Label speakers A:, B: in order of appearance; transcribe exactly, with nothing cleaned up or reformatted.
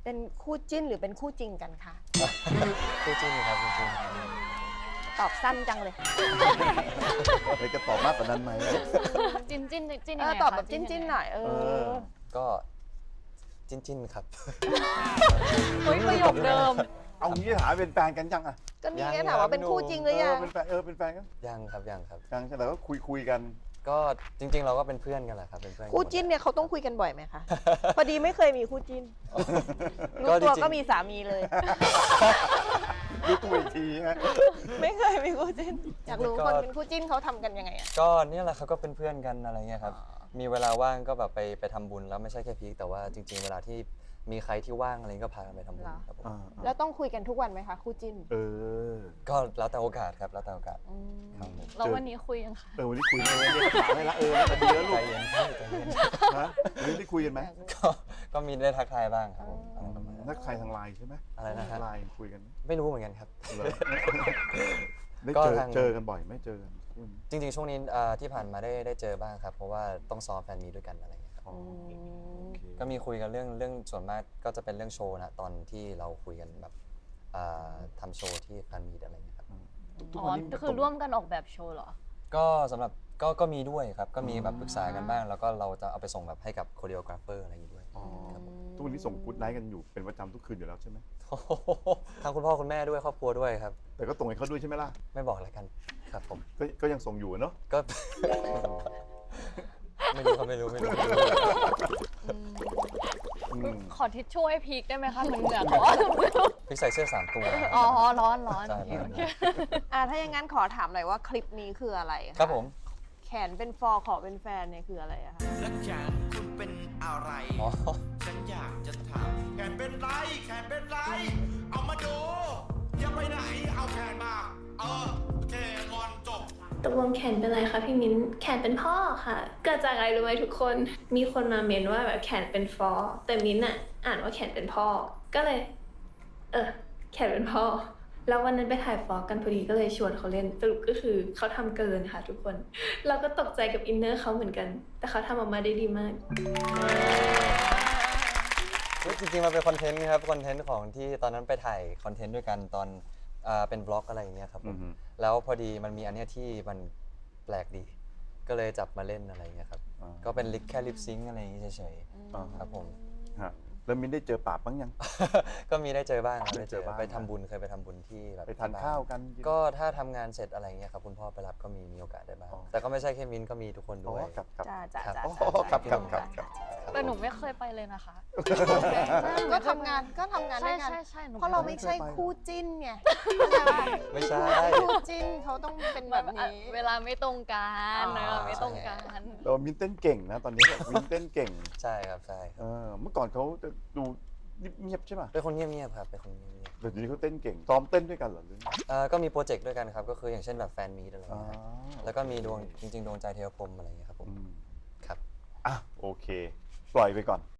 A: เป็นคู่จิ้นหรือเป็นคู่จริงกันคะ
B: คู่จิ้นครับคู่จิ้น
A: ตอบสั้นจังเลย
C: เลยจะตอบมากกว่านั้นไหม
D: จิ้นจิ้นจิ้น
A: เอ
D: ยัง
A: อ
D: ไง
A: ตอบ
D: คะ
A: แบบจิ้นๆหน่อยเอ
C: เอ
A: อ
C: อ
B: ก็จิ้นจิ้นครับ
D: เฮ้ยประโยคเดิม
C: เอางี้ถามเป็นแฟนกันยังอ่ะ
A: ก็นี่ไง
B: ยัง
A: ถามว่า
B: ยัง
A: เป็นคู่จริงหรือยัง
C: เเป็นแฟนเออเป็นแฟนกัน
B: ยังครับยังครับ
C: ยังใช่แต่ก็คุยคุยกัน
B: ก็จริง ๆ เราก็เป็นเพื่อนกันแหละครับเป็นเพื่อนกั
A: คู่จิ้นเนี่ยเขาต้องคุยกันบ่อยไหมคะ พอดีไม่เคยมีคู่จิ้นรู้
B: ก็
A: ตัว
B: จริงๆ
A: ก็มีสามีเลย
C: ดูตัวอีกทีฮะ
A: ไม่เคยมีคู่จิ้น อยากรู้คนเป็นคู่จิ้นเขาทำกันยังไงอะ
B: ก็เนี่ยแหละครับก็เป็นเพื่อนกันอะไรเงี้ยครับ
A: อ๋อ
B: มีเวลาว่างก็แบบไปไปทำบุญแล้วไม่ใช่แค่พีคแต่ว่าจริง ๆ เวลาที่มีใครที่ว่างอะไรก็พากันไปทำบุญครับผม
C: อ่า
A: แล้วต้องคุยกันทุกวันไหมคะคู่จิ้น
C: เออ
B: ก็แล้วแต่โอกาสครับแล้วแต่โอกาส
A: อืม
B: ครับผม
D: แล้ววันนี้คุยยังคะ
C: เออวันนี้คุยกันเรียกถามให้ละเออแล้วดีแล้วลู
B: ใจ
C: ก
B: เย็นพี่ใจเย็น
C: นะวันนี้ได้คุยกันไหม
B: ก็ก็มีได้ทักทายบ้างครับผมอะไรประมาณนั้น
C: นักใครทางไลน์ใช่ไหม
B: อะไรนะฮะ
C: ไลน์คุยกันไหม
B: ไม่รู้เหมือนกันครับ
C: เหรอได้
B: ก็
C: เจอ
B: ทาง
C: เจอกันบ่อยไหม่เจอกันคุณ
B: จริงๆ ช่วงนี้เอ่อที่ผ่านมาได้ได้เจอบ้างครับ เพราะว่าต้องซ้อมแฟนมีตด้วยกันอะไรอย่างเงี้ยครับ
C: อ๋อโอเค
B: ก็มีคุยกันเรื่องเรื่องส่วนมากก็จะเป็นเรื่องโชว์นะตอนที่เราคุยกันแบบเอ่อทำโชว์ที่แฟนมีตอะไรอย่างเงี้ยครับ
C: ทุก
D: อ๋อ
C: วันนี้
D: คือร่วมกันออกแบบโชว์เหรอ
B: ก็สำหรับก็ก็มีด้วยครับ ก็มีแบบปรึกษากันบ้าง แล้วก็เราจะเอาไปส่งแบบให้กับโคเรียกราฟเฟอร์อะไรอย่างงี้ด้วย
C: อ๋อทุกวันนี้ส่งกู๊ดไนท์กันอยู่เป็นประจำทุกคืนอยู่แล้วใช่ไหม
B: ทั้งคุณพ่อคุณแม่ด้วยครอบครัวด้วยครับ
C: แต่ก็ตรงให้เขาด้วยใช่ไหมล่ะ
B: ไม่บอกอะไรกันครับผม
C: ก็ก็ยังส่งอยู่เนาะ
B: ก็ ไม่รู้ครับไม่รู้ไม่รู้ไม่รู้
C: อืม
D: ขอทิชชู่ให้พีคได้ไหมคะเหมือนเหงื่อเขา
B: พี่ใส่เสื้อสามตัว
D: อ๋อร้อนร้อน
B: ใช่
D: โอเคโอเค
A: อ่าถ้าอย่างนั้นขอถามหน่อยว่าคลิปนี้คืออะไระ
B: ครับผม
A: แขนเป็นฟอร์ขอเป็นแฟนเนี่ยคืออะไรอะคะ
E: แล้วแขนคุณเป็นอะไร
B: อ๋อ
E: ฉันอยากจะถามแขนเป็นไร แขนเป็นไร เอามาดู อย่าไปไหน เอาแขนมา เออโอเคก่อนจบ
F: ตกลงแขนเป็นไรคะพี่มิ้นแขนเป็นพ่อค่ะ เกิดจากอะไรรู้ไหมทุกคน มีคนมาเมนว่าแบบแขนเป็นฟอแต่มิ้นอะอ่านว่าแขนเป็นพ่อ ก็เลย เออ แขนเป็นพ่อ แล้ววันนั้นไปถ่ายฟอกันพอดีก็เลยชวนเขาเล่นสรุปก็คือเขาทำเกินค่ะทุกคน เราก็ตกใจกับอินเนอร์เขาเหมือนกัน แต่เขาทำออกมาได้ดีมาก
B: จริงๆมันเป็นคอนเทนต์ครับคอนเทนต์ของที่ตอนนั้นไปถ่ายคอนเทนต์ด้วยกันตอนอ่าเป็นบล็อกอะไรอย่างเงี้ยครับผม
C: อือฮึ
B: แล้วพอดีมันมีอันเนี้ยที่มันแปลกดี ก็เลยจับมาเล่นอะไรอย่างเงี้ยครับ
C: อ่า
B: ก็เป็นลิปแค่ลิปซิงค์อะไรอย่างงี้เฉย
C: อ่า
B: ๆครับผม
C: ฮะแล้วมินได้เจอป่าบบ้างยัง
B: ก็มีได้เจอบ้างครับ
C: ได้
B: ได้
C: เจ
B: เจ
C: อ
B: อ
C: บ้าง
B: ไปทำบุญเคยไปทำบุญที่แบบ
C: ไปทาน
B: ที่บ้
C: ข้าวกันน
B: ก็ถ้าทำงานเสร็จอะไรเงี้ยครับคุณพ่อไปรับก็มีมีโอกาสได้บ้าง
C: อ๋อ
B: แต่ก็ไม่ใช่แค่มินก็มีทุกคน
C: อ๋
B: ด้
C: อ
B: วย
C: ครับครับ
A: จ้าจ้า
B: ครับ
A: จ้า
C: อ๋อครับครับครับครับ
D: แต่หนูไม่เคยไปเลยนะคะ
A: ก็ทำงานก็ทำงาน
D: ใช่
A: ด้วยกัน
D: ใช่ใช่หนู
A: เพราะเราไม่ใช่คู่จิ้นไง
B: ไม่ใช่
A: คู่จิ้นเขาต้องเป็นแบบนี้
D: เวลาไม่ตรงกัน
A: อ๋อ
D: เวลาไม่ตรงกัน
C: เรามินเต้นเก่งนะตอนนี้มินเต้นเก่ง
B: ใช่ครับใช่ครับ
C: เออเมื่อก่อนเขาจะดูเงียบๆใช่ป่ะ
B: เป็นคนเงียบๆครับเป็นคนเงียบ
C: แต่เดี๋ยวนี้เขาเต้นเก่งซ้อมเต้นด้วยกันเหรอหรือ
B: ๆเอ่อก็มีโปรเจกต์ด้วยกันครับก็คืออย่างเช่นแบบแฟนมีตอะไร
C: อ๋อ
B: เงี้ยครับแล้วก็มีดวงจริง ๆ ดวงใจเทวพรหมอะไรเงี้ยครับผม
C: อืม
B: ครับ
C: อ่ะโอเค ปล่อยไปก่อน